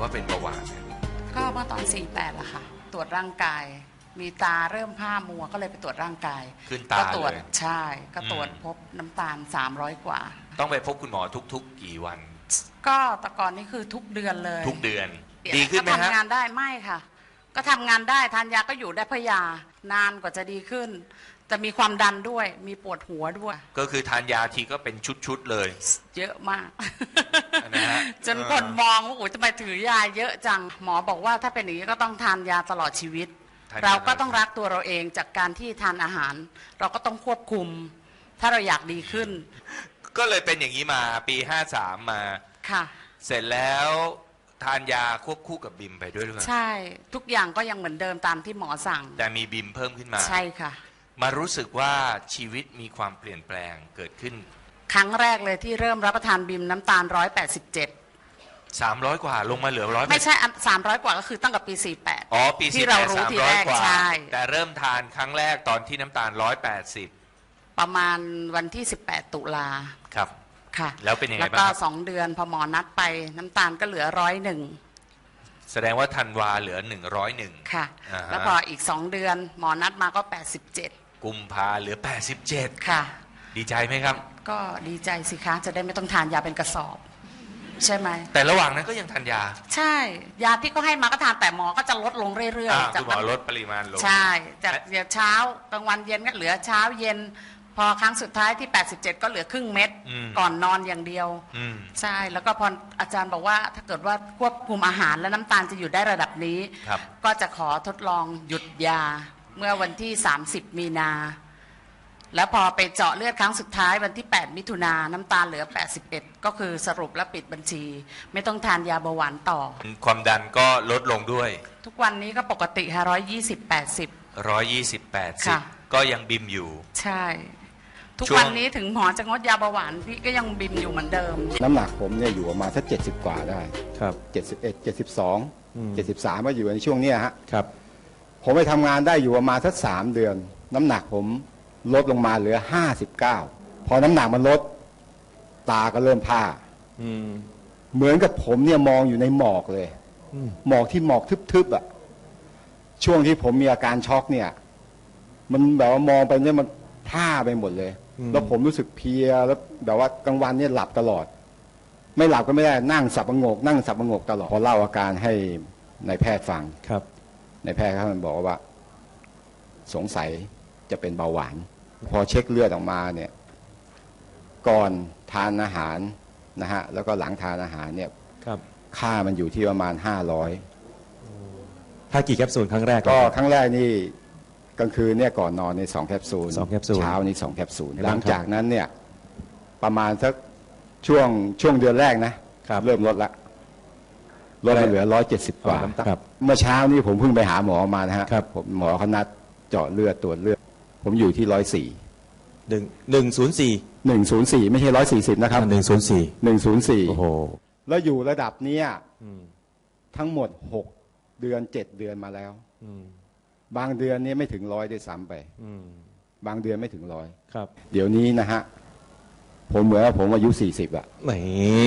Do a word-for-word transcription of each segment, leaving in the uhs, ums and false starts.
ว่าเป็นเบาหวานเนี่ยก็เมื่อตอนสี่แปดละค่ะตรวจร่างกายมีตาเริ่มผ้ามัวก็เลยไปตรวจร่างกายขึ้นตาเลยใช่ก็ตรวจพบน้ำตาลสามร้อยกว่าต้องไปพบคุณหมอทุกๆกี่วันก็แต่ก่อนนี้คือทุกเดือนเลยทุกเดือนดีขึ้นไหมฮะทำงานได้ไม่ค่ะก็ทำงานได้ทานยาก็อยู่ได้เพราะยานานกว่าจะดีขึ้นจะมีความดันด้วยมีปวดหัวด้วยก็คือทานยาทีก็เป็นชุดๆเลยเยอะมากนะฮะจนคนมองว่าโอ้ยทำไมถือยาเยอะจังหมอบอกว่าถ้าเป็นอย่างนี้ก็ต้องทานยาตลอดชีวิตเราก็ต้องรักตัวเราเองจากการที่ทานอาหารเราก็ต้องควบคุมถ้าเราอยากดีขึ้นก็เลยเป็นอย่างนี้มาปีห้าสามมาค่ะเสร็จแล้วทานยาควบคู่กับบิมไปด้วยหรือเปล่าใช่ทุกอย่างก็ยังเหมือนเดิมตามที่หมอสั่งแต่มีบิมเพิ่มขึ้นมาใช่ค่ะมารู้สึกว่าชีวิตมีความเปลี่ยนแปลงเกิดขึ้นครั้งแรกเลยที่เริ่มรับประทานบิมน้ำตาลหนึ่งร้อยแปดสิบเจ็ดสามร้อยกว่าลงมาเหลือร้อยไม่ใช่สามร้อยกว่าก็คือตั้งแต่ปีสี่แปดอ๋อปีที่เรารู้ทีแรกใช่แต่เริ่มทานครั้งแรกตอนที่น้ำตาลหนึ่งร้อยแปดสิบประมาณวันที่สิบแปดตุลาครับค่ะแล้วเป็นยังไงบ้างแล้วก็สองเดือนพอหมอนัดไปน้ำตาลก็เหลือร้อยหนึ่งแสดงว่าธันวาเหลือหนึ่งร้อยหนึ่งค่ะแล้วพออีกสองเดือนหมอนัดมาก็แปดสิบเจ็ดกุมภาเหลือแปดสิบเจ็ดค่ะดีใจไหมครับก็ดีใจสิคะจะได้ไม่ต้องทานยาเป็นกระสอบใช่ไหมแต่ระหว่างนั้นก็ยังทานยาใช่ยาที่ก็ให้มาก็ทานแต่หมอก็จะลดลงเรื่อยๆจากหมอลดปริมาณลงใช่จากเดี๋ยวเช้ากลางวันเย็นก็เหลือเช้าเย็นพอครั้งสุดท้ายที่แปดสิบเจ็ดก็เหลือครึ่งเม็ดก่อนนอนอย่างเดียวใช่แล้วก็พออาจารย์บอกว่าถ้าเกิดว่าควบคุมอาหารและน้ำตาลจะอยู่ได้ระดับนี้ก็จะขอทดลองหยุดยาเมื่อวันที่สามสิบมีนาแล้วพอไปเจาะเลือดครั้งสุดท้ายวันที่แปดมิถุนายนน้ำตาลเหลือแปดสิบเอ็ดก็คือสรุปและปิดบัญชีไม่ต้องทานยาเบาหวานต่อความดันก็ลดลงด้วยทุกวันนี้ก็ปกติค่ะร้อยยี่สิบแปดสิบร้อยยี่สิบแปดสิบก็ยังบิมอยู่ใช่ทุกวันนี้ถึงหมอจะงดยาเบาหวานพี่ก็ยังบิมอยู่เหมือนเดิมน้ำหนักผมเนี่ยอยู่ประมาณสักเจ็ดสิบกว่าได้ครับเจ็ดสิบเอ็ดเจ็ดสิบสองเจ็ดสิบสามก็อยู่ในช่วงนี้ฮะครับผมไปทำงานได้อยู่ประมาณสักสามเดือนน้ำหนักผมลดลงมาเหลือห้าสิบเก้าพอน้ำหนักมันลดตาก็เริ่มผ้าเหมือนกับผมเนี่ยมองอยู่ในหมอกเลยหมอกที่หมอกทึบๆอ่ะช่วงที่ผมมีอาการช็อกเนี่ยมันแบบว่ามองไปเนี่ยมันผ้าไปหมดเลยแล้วผมรู้สึกเพลียแล้วแบบว่ากลางวันเนี่ยหลับตลอดไม่หลับก็ไม่ได้นั่งสับประงกนั่งสับประงกตลอดพอเล่าอาการให้นายแพทย์ฟังครับนายแพทย์เขาบอกว่าสงสัยจะเป็นเบาหวานพอเช็คเลือดออกมาเนี่ยก่อนทานอาหารนะฮะแล้วก็หลังทานอาหารเนี่ยค่ามันอยู่ที่ประมาณห้าร้อยถ้ากี่แคปซูลครั้งแรกก็ครั้งแรกนี่กลางคืนเนี่ยก่อนนอนในสองแคปซูลสองแคปซูลเช้านี่สองแคปซูลหลังจากนั้นเนี่ยประมาณสักช่วงช่วงเดือนแรกนะเริ่มลดละลดมาเหลือร้อยเจ็ดสิบกว่าเมื่อเช้านี่ผมเพิ่งไปหาหมอมานะฮะหมอเขานัดเจาะเลือดตรวจเลือดผมอยู่ที่ร้อยสี่หนึ่งหนึ่งศูนย์สี่หนึ่งศูนย์สี่ไม่ใช่ร้อยสี่สิบนะครับหนึ่งศูนย์สี่หนึ่งศูนย์สี่โอ้โหแล้วอยู่ระดับเนี้ยทั้งหมดหกเดือนเจ็ดเดือนมาแล้วบางเดือนนี้ไม่ถึงร้อยด้วยซ้ำไปบางเดือนไม่ถึงร้อยครับเดี๋ยวนี้นะฮะผมเหมือนว่าผมอายุสี่สิบอะไม่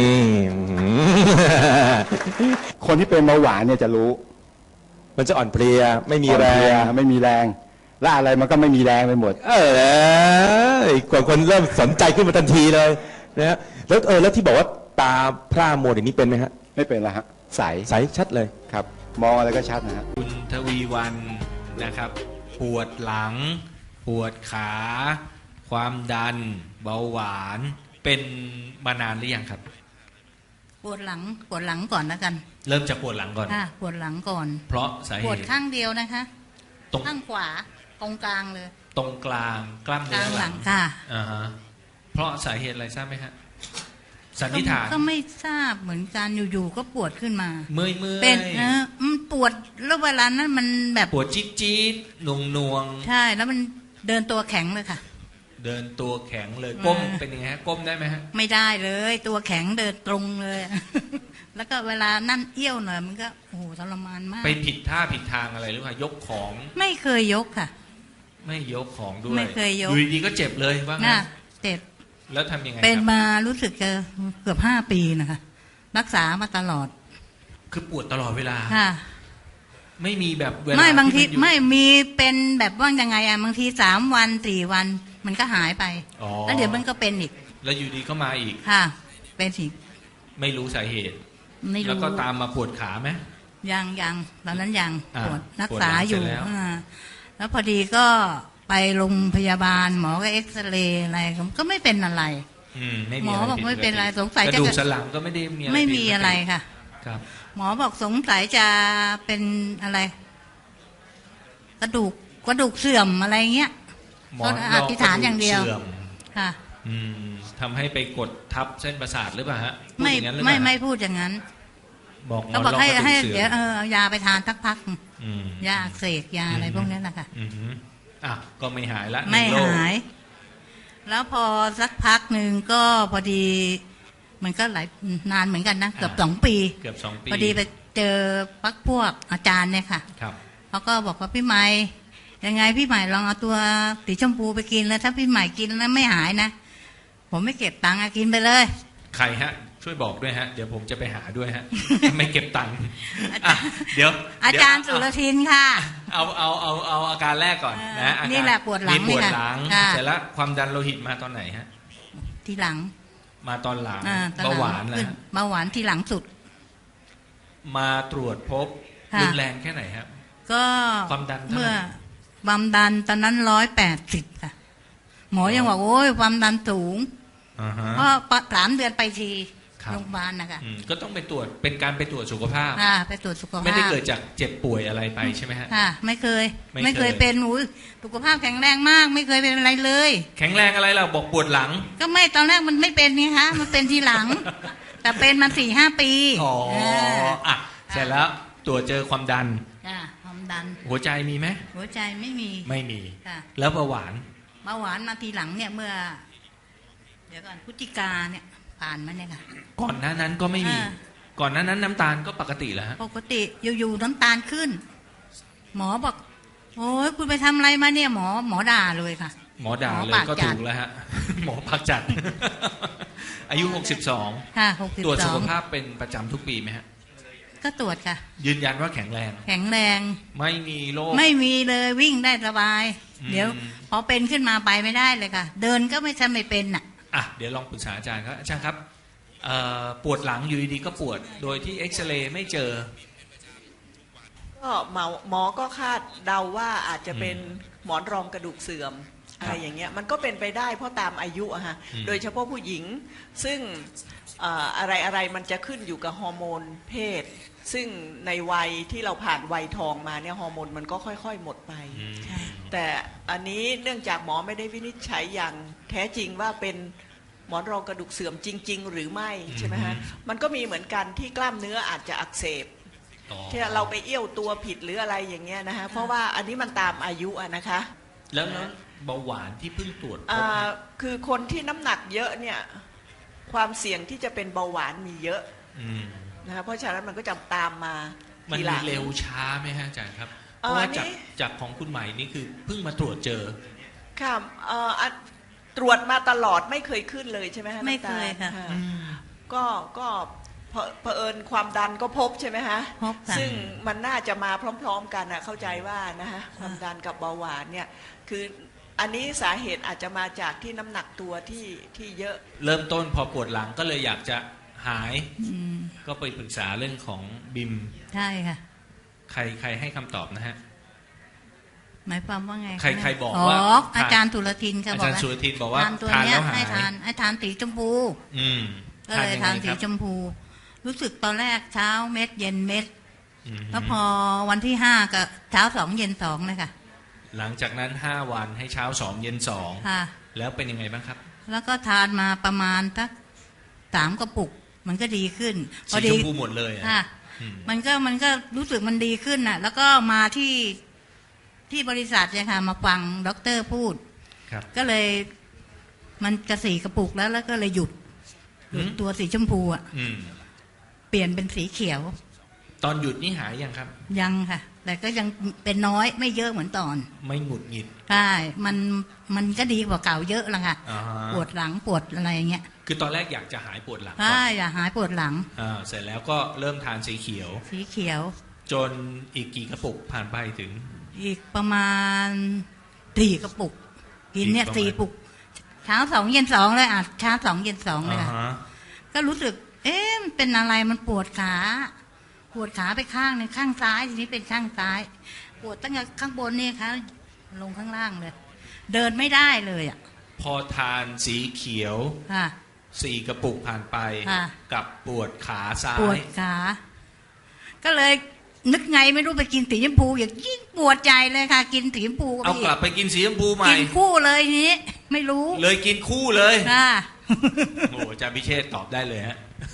คนที่เป็นเบาหวานเนี่ยจะรู้มันจะอ่อนเพลียไม่มีแรงไม่มีแรงและอะไรมันก็ไม่มีแรงไปหมดเออกว่าคนเริ่มสนใจขึ้นมาทันทีเลยนะฮะแล้วเออแล้วที่บอกว่าตาพร่ามัวอย่างนี้เป็นไหมฮะไม่เป็นละฮะใสใสชัดเลยครับมองอะไรก็ชัดนะฮะคุณทวีวันนะครับปวดหลังปวดขาความดันเบาหวานเป็นมานานหรือยังครับปวดหลังปวดหลังก่อนนะกันเริ่มจากปวดหลังก่อนค่ะปวดหลังก่อนเพราะสาเหตุปวดข้างเดียวนะคะตรงข้างขวาตรงกลางเลยตรงกลางกล้ามเนื้อหลังค่ะอ่าฮะเพราะสาเหตุอะไรทราบไหมฮะสันนิษฐานก็ไม่ทราบเหมือนกันอยู่ๆก็ปวดขึ้นมาเมื่อยเมื่อยเป็นนะมันปวดแล้วเวลานั้นมันแบบปวดจี๊ดจี๊ดหน่วงหน่วงใช่แล้วมันเดินตัวแข็งเลยค่ะเดินตัวแข็งเลยก้มเป็นยังไงฮะก้มได้ไหมฮะไม่ได้เลยตัวแข็งเดินตรงเลยแล้วก็เวลานั่นเอี้ยวหน่อยมันก็โอ้โหทรมานมากไปผิดท่าผิดทางอะไรหรือเปล่ายกของไม่เคยยกค่ะไม่ยกของด้วยไม่เคยยกอยู่ดีก็เจ็บเลยว่างั้นเจ็บแล้วทำยังไงเป็นมารู้สึกจะเกือบห้าปีนะคะรักษามาตลอดคือปวดตลอดเวลาค่ะไม่มีแบบเวลาไม่บางทีนอยู่ไม่มีเป็นแบบว่ายังไงอะบางทีสามวันสี่วันมันก็หายไปอ๋อแล้วเดี๋ยวมันก็เป็นอีกแล้วอยู่ดีก็มาอีกค่ะ เป็นอีกไม่รู้สาเหตุไม่แล้วรู้ก็ตามมาปวดขาไหมยังยังตอนนั้นยังอ่าปวดรักปวดษาหลังอยู่เสร็จแล้วอ่าแล้วพอดีก็ไปโรงพยาบาลหมอก็เอ็กซเรย์อะไรก็ไม่เป็นอะไรอืมไม่หมีมออะไรบอกผิดไม่เป็นไรปกติสงสัยกจะระดูกสันหลังก็ไม่ได้มีอะไรไม่ผิดมีปกติอะไรค่ะครับหมอบอกสงสัยจะเป็นอะไร กระดูกกระดูกเสื่อมอะไรเงี้ยหมอก็อธิษฐานอย่างเดียวสื่อมค่ะอืมทำให้ไปกดทับเส้นประสาทหรือเปล่าฮะพูดไม่อย่างนั้นหรือเปไม่ล่าไม่พูดอย่างนั้นบอกก็บอกให้มให้รองกระดูกเดี๋ยวเสื่เออมอเอายาไปทานสักพักอืมยาอักเสบยาอะไรพวกนี้แหละค่ะอืมอ่ะก็ไม่หายละไม่นึ่งโรคหาย แล้วพอสักพักหนึ่งก็พอดี มันก็หลายนานเหมือนกันนะเกือบสองปีเกือบสองปีพอดีไปเจอพักพวกอาจารย์เนี่ยค่ะครับเขาก็บอกว่าพี่ใหม่ยังไงพี่ใหม่ลองเอาตัวสีชมพูไปกินแล้วถ้าพี่ใหม่กินแล้วไม่หายนะผมไม่เก็บตังค์อะกินไปเลยใครฮะ ช่วยบอกด้วยฮะ เดี๋ยวผมจะไปหาด้วยฮะ ไม่เก็บตังค์อ่ะเดี๋ยวอาจารย์สุรทินค่ะเอาเอาเอาเอาอาการแรกก่อนเออนะอาการนี่แหละปวดหลังมีปวดนี่ค่ะหลังค่ะเสร็จแล้วความดันโลหิตมาตอนไหนฮะทีหลังมาตอนหลังอ่ตอเบาหวานขึ้นะเบาหวานทีหลังสุดมาตรวจพบค่ะรุนแรงแค่ไหนครับก็ความดันเท่าไหร่เมื่อความดันตอนนั้นร้อยแปดสิบค่ะ หมอยังบอกโอ้ยความดันสูงอ่าฮะเพราะสามเดือนไปทีครับโรงพยาบาลนะคะอืมก็ต้องไปตรวจเป็นการไปตรวจสุขภาพค่ะไปตรวจสุขภาพไม่ได้เกิดจากเจ็บป่วยอะไรไปใช่ไหมฮะค่ะ ไม่เคยไม่เคยไม่เคยเป็นอุ้ยสุขภาพแข็งแรงมาก ไม่เคยเป็นอะไรเลยแข็งแรงอะไรเราบอกปวดหลังก็ไม่ตอนแรกมันไม่เป็นนี่คะมันเป็นทีหลัง แต่เป็นมาสี่ห้าปีอ๋อาอ่ะเสร็จแล้วตรวจเจอความดันจ้ะความดันหัวใจมีไหมหัวใจไม่มีไม่มีค่ะแล้วเบาหวานเบาหวานมาทีหลังเนี่ยเมื่อ เดี๋ยวก่อนพฤศจิกาเนี่ย ผ่านมาเนี่ยค่ะก่อนหน้านั้นก็ไม่มีอ่าก่อนหน้านั้นน้ำตาลก็ปกติแล้วฮะปกติอยู่ๆน้ำตาลขึ้น หมอบอก โอ้ยคุณไปทำอะไรมาเนี่ย หมอหมอด่าเลยค่ะหมอด่าหมอเลยปากก็จัถูดกแล้วฮะ หมอพักจัด อายุหกสิบสองค่ะหกสิบตรวจสสุอขงภาพเป็นประจำทุกปีไหมฮะก็ตรวจค่ะยืนยันว่าแข็งแรงแข็งแรงไม่มีโรคไม่มีเลยวิ่งได้สบายอืมเดี๋ยว พอเป็นขึ้นมาไปไม่ได้เลยค่ะ เดินก็ไม่ใช่ไม่เป็นอ่ะอ่ะเดี๋ยวลองปรึกษาอาจารย์ครับอาจารย์ครับเอ่อปวดหลังอยู่ดีๆก็ปวด โดยที่เอ็กซเรย์ไม่เจอก็หมอหมอก็คาดเดาว่าอาจจะเป็นหมอนรองกระดูกเสื่อมอะไรอย่างเงี้ยมันก็เป็นไปได้เพราะตามอายุอะฮะอืมโดยเฉพาะผู้หญิงซึ่งเอ่ออะไรอะไรมันจะขึ้นอยู่กับฮอร์โมนเพศ ซึ่งในวัยที่เราผ่านวัยทองมาเนี่ยฮอร์โมนมันก็ค่อยๆหมดไปอืมแต่อันนี้เนื่องจากหมอไม่ได้วินิจฉัยอย่างแท้จริงว่าเป็นหมอนรองกระดูกเสื่อมจริง ๆ หรือไม่ใช่ไหมฮะมันก็มีเหมือนกันที่กล้ามเนื้ออาจจะอักเสบอ๋อที่เราไปเอี้ยวตัวผิดหรืออะไรอย่างเงี้ยนะคะเพราะว่าอันนี้มันตามอายุอะนะคะแล้วแล้วเบาหวานที่เพิ่งตรวจพบอ่าคือคนที่น้ำหนักเยอะเนี่ยความเสี่ยงที่จะเป็นเบาหวานมีเยอะอืมนะคะเพราะฉะนั้นมันก็จะตามมามันทีหมีลังเร็วช้าไหมฮะอาจารย์ครับเพเอ่อราะว่าอันนี้จากจากของคุณใหม่นี่คือเพิ่งมาตรวจเจอค่ะเอ่ออ่ะตรวจมาตลอดไม่เคยขึ้นเลยใช่ไหมฮะไม่น้ำตาลเคยค่ะก็ก็เผเผอิญความดันก็พบใช่ไหมฮะพบค่ะซึ่งมันน่าจะมาพร้อม ๆ กันนะเข้าใจว่านะฮะความดันกับเบาหวานเนี่ยคืออันนี้สาเหตุอาจจะมาจากที่น้ำหนักตัวที่ที่เยอะเริ่มต้นพอปวดหลังก็เลยอยากจะหายอืมก็ไปปรึกษาเรื่องของบิมใช่ค่ะใครใครให้คำตอบนะฮะหมายความว่าไงะใครใครบอกอ๋อว่าอาจารย์สุรทินค่ะอาบอกจารย์ว่าสุรทินบอกว่าทานตัวทานเนี้ยแล้วหายให้ทานให้ทานสีชมพูอืมก็เลยยังไงทานสีครับชมพู รู้สึกตอนแรกเช้าเม็ดเย็นเม็ดอืมแล้วพอวันที่ห้าก็เช้าสองเย็นสองเลยค่ะหลังจากนั้นห้าวันให้เช้าสองเย็นสองค่ะแล้วเป็นยังไงบ้างครับแล้วก็ทานมาประมาณสักสามกระปุก มันก็ดีขึ้น พสีอชดีมพูหมดเลยอะค่ะอืมมันก็มันก็รู้สึกมันดีขึ้นน่ะ แล้วก็มาที่ที่บริษัทเนี่ยค่ะ มาฟังด็อกเตอร์พูดครับก็เลย มันจะสี่กระปุกแล้วแล้วก็เลยหยุดหยุดอืมตัวสีชมพูอ่ะอืมเปลี่ยนเป็นสีเขียวอตอนหยุดนี่หายยังครับยังค่ะ แต่ก็ยังเป็นน้อยไม่เยอะเหมือนตอนไม่หงุดหงิดใช่มันมันก็ดีกว่าเก่าเยอะละค่ะอ่าฮะปวดหลังปวดอะไรอย่างเงี้ยคือตอนแรกอยากจะหายปวดหลังก่อใช่นอย่าหายปวดหลังอ่าเสร็จแล้วก็เริ่มทานสีเขียวสีเขียวจนอีกกี่กระปุกผ่านไปถึงอีกประมาณสี่กระปุก กินเนี่ยอีกประมาณสี่ปุก เช้าสองเย็นสองเลยอ่ะเช้าสองเย็นสองเลยอ่าค่ะฮะก็รู้สึก เอ๊ะมันเป็นอะไรมันปวดขา ปวดขาไปข้างหนึงข้างซ้ายทีนี้เป็นข้างซ้าย ปวดตั้งแต่ข้างบนนี่ค่ะลงข้างล่างเลย เดินไม่ได้เลยอ่ะพอทานสีเขียวค่ะสี่กระปุกผ่านไปค่ะกับปวดขาซ้าปวดยขา ก็เลยนึกไงไม่รู้ไปกินสีชมพูอย่างยิ่งปวดใจเลยค่ะ กินสีชมพูเอากลับไปกินสีชมพูใหม่กินคู่เลยทีนี้ ไม่รู้เลยกินคู่เลยค่ะโอ้อาจารย์พิเชษฐ์ตอบได้เลยฮะ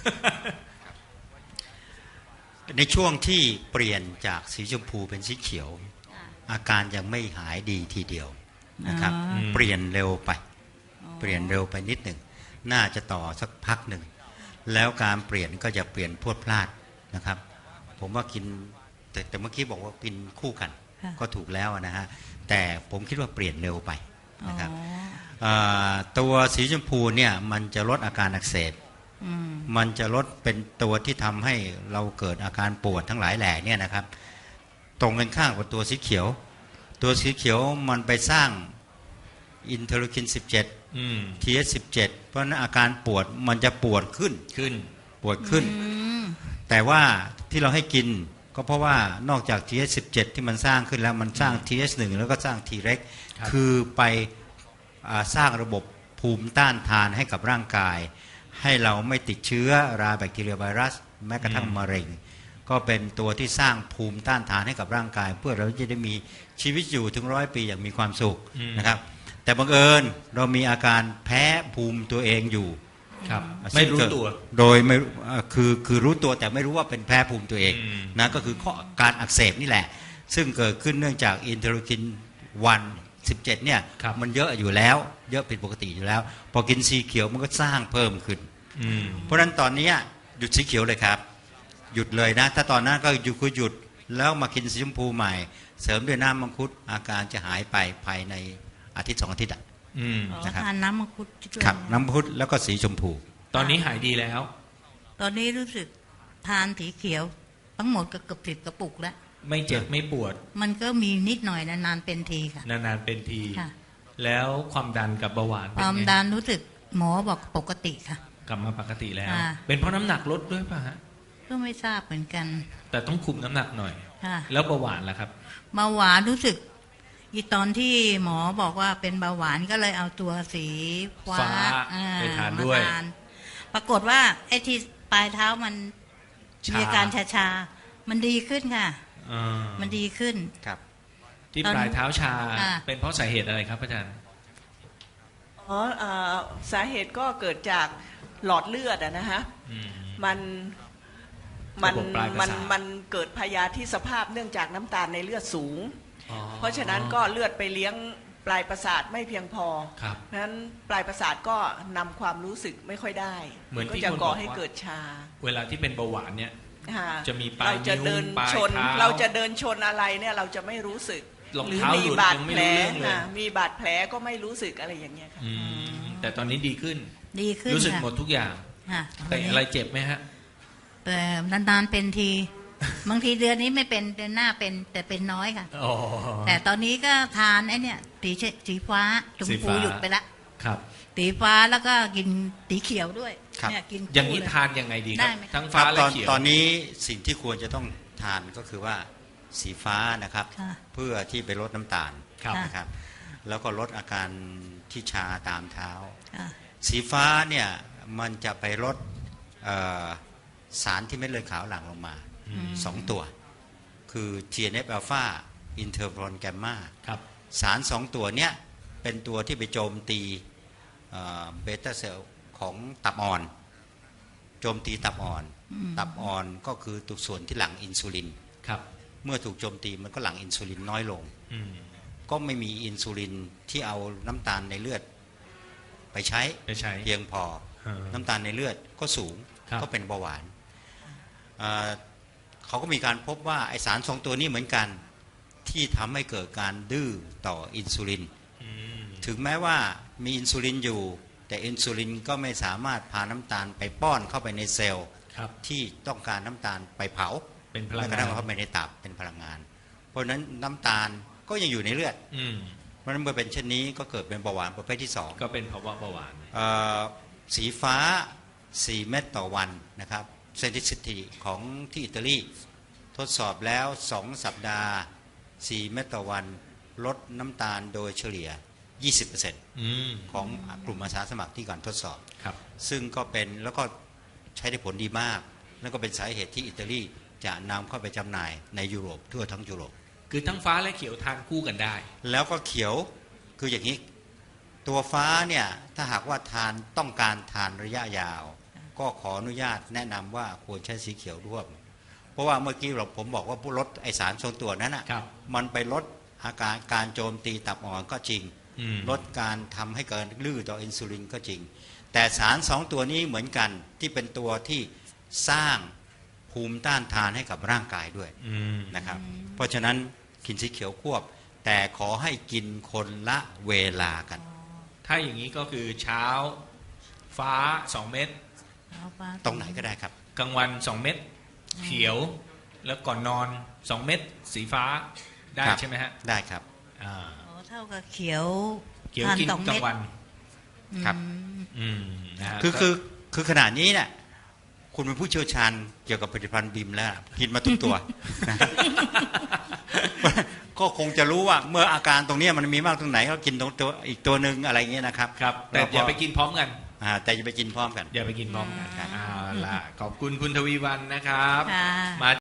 ในช่วงที่เปลี่ยนจากสีชมพูเป็นสีเขียว อาการยังไม่หายดีทีเดียวนะครับอ๋อเปลี่ยนเร็วไป เปลี่ยนเร็วไปนิดหนึ่งน่าจะต่อสักพักหนึ่งแล้วการเปลี่ยนก็จะเปลี่ยนพรวดพลาดนะครับ ผมว่ากินแต่แต่เมื่อกี้บอกว่ากินคู่กันค่ะก็ถูกแล้วนะฮะแต่ผมคิดว่าเปลี่ยนเร็วไปอ๋อนะครับเอ่อตัวสีชมพูเนี่ยมันจะลดอาการอักเสบอืมมันจะลดเป็นตัวที่ทำให้เราเกิดอาการปวดทั้งหลายแหล่เนี่ยนะครับ ตรงกันข้ามกับตัวสีเขียว ตัวสีเขียวมันไปสร้างอินเทอร์คิน สิบเจ็ดอืมที เอส สิบเจ็ด เพราะฉะนั้นอาการปวดมันจะปวดขึ้นขึ้นปวดขึ้นอืมแต่ว่าที่เราให้กินก็เพราะว่านอกจาก ที เอส สิบเจ็ด ที่มันสร้างขึ้นแล้วมันสร้าง ที เอส หนึ่ง แล้วก็สร้าง T เร็กครับคือไปอ่าสร้างระบบภูมิต้านทานให้กับร่างกาย ให้เราไม่ติดเชื้อราแบคทีเรียไวรัส แม้กระทั่งมะเร็ง ก็เป็นตัวที่สร้างภูมิต้านทานให้กับร่างกาย เพื่อเราจะได้มีชีวิตอยู่ถึงร้อยปีอย่างมีความสุขอืมนะครับ แต่บังเอิญเรามีอาการแพ้ภูมิตัวเองอยู่ครับ ไม่รู้ตัวโดยไม่เอ่อคือคือรู้ตัวแต่ไม่รู้ว่าเป็นแพ้ภูมิตัวเองอืมนะก็คือข้อการอักเสบนี่แหละ ซึ่งเกิดขึ้นเนื่องจากอินเทอร์คินวันสิบเจ็ดเนี่ยครับมันเยอะอยู่แล้ว เยอะผิดปกติอยู่แล้ว พอกินสีเขียวมันก็สร้างเพิ่มขึ้นอืมเพราะฉะนั้นตอนนี้หยุดสีเขียวเลยครับ หยุดเลยนะ ถ้าตอนนั้นก็หยุดคือหยุดแล้วมากินสีชมพูใหม่ เสริมด้วยน้ำมังคุดอาการจะหายไปภายในอาทิตย์สองอาทิตย์อะอืมอ๋อนะครับทานน้ำมังคุดด้วยครับน้ำมังคุดแล้วก็สีชมพูตอนนี้หายดีแล้วตอนนี้รู้สึกทานสีเขียว ทั้งหมดก็เกือบสิบกระปุกแล้วไม่เจ็บไม่ปวดมันก็มีนิดหน่อยนานๆเป็นทีค่ะนานๆเป็นทีค่ะแล้วความดันกับเบาหวานคเป็นวามไงดันรู้สึกหมอบอกปกติค่ะกลับมาปกติแล้วอ่าเป็นเพราะน้ำหนักลดด้วยป่ะฮะก็ไม่ทราบเหมือนกันแต่ต้องคุมน้ำหนักหน่อยค่ะแล้วเบาหวานล่ะครับเบาหวานรู้สึกอีตอนที่หมอบอกว่าเป็นเบาหวานก็เลยเอาตัวสีฟ้าฟ้าอ่ไปทานด้วยมทานปรากฏว่าไอ้ที่ปลายเท้ามันชามีอาการชาชาๆมันดีขึ้นค่ะอ่ามันดีขึ้นครับที่ตอนปลายเท้าชาอ่าเป็นเพราะสาเหตุอะไรครับอาจารย์อ๋อเอ่อสาเหตุก็เกิดจากหลอดเลือดอะนะฮะอืมมันมันระบบปลายประมันสาทมันเกิดพยาธิสภาพเนื่องจากน้ำตาลในเลือดสูงอ๋อเพราะฉะนั้นก็เลือดไปเลี้ยงปลายประสาทไม่เพียงพอครับเพราะฉะนั้นปลายประสาทก็นำความรู้สึกไม่ค่อยได้เหมือนที่ก็จะคนก่อบอกให้ว่าเกิดชาเวลาที่เป็นเบาหวานเนี่ยค่ะจะมีปลายเราจะเดินนิ้วปลายชนเท้าเราจะเดินชนอะไรเนี่ยเราจะไม่รู้สึกรองหรือเท้ามีหลุดบาดยังไม่แผลรู้เรื่องเลยค่ะมีบาดแผลก็ไม่รู้สึกอะไรอย่างเงี้ยค่ะอืมแต่ตอนนี้ดีขึ้นดีขึ้นรู้สึกค่ะหมดทุกอย่างค่ะแต่อะไรเจ็บไหมฮะแต่นานๆเป็นที บางทีเดือนนี้ไม่เป็นเดือนหน้าเป็นแต่เป็นน้อยค่ะอ๋อแต่ตอนนี้ก็ทานไอ้เนี่ยสีเชสีฟ้าชมสีพูฟ้าหยุดไปละครับสีฟ้าแล้วก็กินสีเขียวด้วยครับเนี่ยกินอย่างนี้คู่เลทานยังไงดีคได้รับไหมทั้งคฟ้ารับและตอนเขียวตอนนี้สิ่งที่ควรจะต้องทานก็คือว่าสีฟ้านะครับค่ะเพื่อที่ไปลดน้ำตาลครับค่ะนะครับ แล้วก็ลดอาการที่ชาตามเท้าค่ะสีฟ้าเนี่ยมันจะไปลดเอ่อสารที่เม็ดเลือดขาวหลั่งลงมาสองตัว คือ ที เอ็น เอฟ อลฟาอินเทอร์โฟนแกมมาครับสารสองตัวเนี้ยเป็นตัวที่ไปโจมตีเบต้าเซลล์ของตับอ่อน โจมตีตับอ่อน ตับอ่อนก็คือตัวส่วนที่หลั่งอินซูลินครับเมื่อถูกโจมตีมันก็หลั่งอินซูลินน้อยลงอืมก็ไม่มีอินซูลินที่เอาน้ำตาลในเลือดไปใช้ไปใช้เพียงพออ่าน้ำตาลในเลือดก็สูงครับก็เป็นเบาหวานอ่าเขาก็มีการพบว่าไอสารสองตัวนี้เหมือนกันที่ทำให้เกิดการดื้อต่ออินซูลินอืมถึงแม้ว่ามีอินซูลินอยู่แต่อินซูลินก็ไม่สามารถพาน้ำตาลไปป้อนเข้าไปในเซลล์ครับที่ต้องการน้ำตาลไปเผาเป็นพลัแม้งกระงาทั่นงเข้าไปในตับเป็นพลังงาน เพราะฉะนั้นน้ำตาลก็ยังอยู่ในเลือดอืมเพราะฉะนั้นเมื่อเป็นเช่นนี้ก็เกิดเป็นเบาหวานประเภทที่สองก็เป็นภาวะเบาหวานเอ่อสีฟ้า สี่ เม็ดต่อวันนะครับเซนติสิตีของที่อิตาลีทดสอบแล้ว สอง สัปดาห์ สี่ เม็ดต่อวันลดน้ำตาลโดยเฉลี่ย ยี่สิบเปอร์เซ็นต์อืมของกลุ่มอาสาสมัครที่ก่อนทดสอบครับซึ่งก็เป็นแล้วก็ใช้ได้ผลดีมาก แล้วก็เป็นสาเหตุที่อิตาลีจะนำเข้าไปจำหน่ายในยุโรปทั่วทั้งยุโรปคือทั้งฟ้าและเขียวทานคู่กันได้แล้วก็เขียวคืออย่างนี้ตัวฟ้าเนี่ยถ้าหากว่าทานต้องการทานระยะยาว ก็ขออนุญาตแนะนำว่าควรใช้สีเขียวร่วม เพราะว่าเมื่อกี้เราผมบอกว่าลดไอสารทรงตัวนั้นอ่ะครับมันไปลดอาการการโจมตีตับอ่อนก็จริงอืมลดการทำให้เกิดลื้อต่ออินซูลินก็จริง แต่สารสองตัวนี้เหมือนกันที่เป็นตัวที่สร้างภูมิต้านทานให้กับร่างกายด้วยอืมนะครับเพราะฉะนั้นกินสีเขียวควบ แต่ขอให้กินคนละเวลากันถ้าอย่างนี้ก็คือเช้าฟ้าสองเม็ดเอาปลาตรงไหนก็ได้ครับกลางวันสองเม็ดเขียว แล้วก่อนนอนสองเม็ดสีฟ้าได้ครับใช่ไหมฮะได้ครับอ่าอ๋อเท่ากับเขียวเขียวทานกินสองกลาเม็ดงวันครับอืมอืมนะฮะคือก็คือคือขนาดนี้เนี่ยคุณเป็นผู้เชี่ยวชาญเกี่ยวกับผลิตภัณฑ์บิมแล้วกินมาทุกตัว นะ ก็คงจะรู้ว่าเมื่ออาการตรงเนี้ยมันมีมากตรงไหนก็กินตรงตัวอีกตัวหนึ่งอะไรเงี้ยนะครับครับ แต่ล้วก็อย่าไปกินพร้อมกันอ่าแต่อย่าไปกินพร้อมกันอย่าไปกินพร้อมกันอ่าเอาล่ะขอบคุณคุณทวีวันนะครับค่ะมา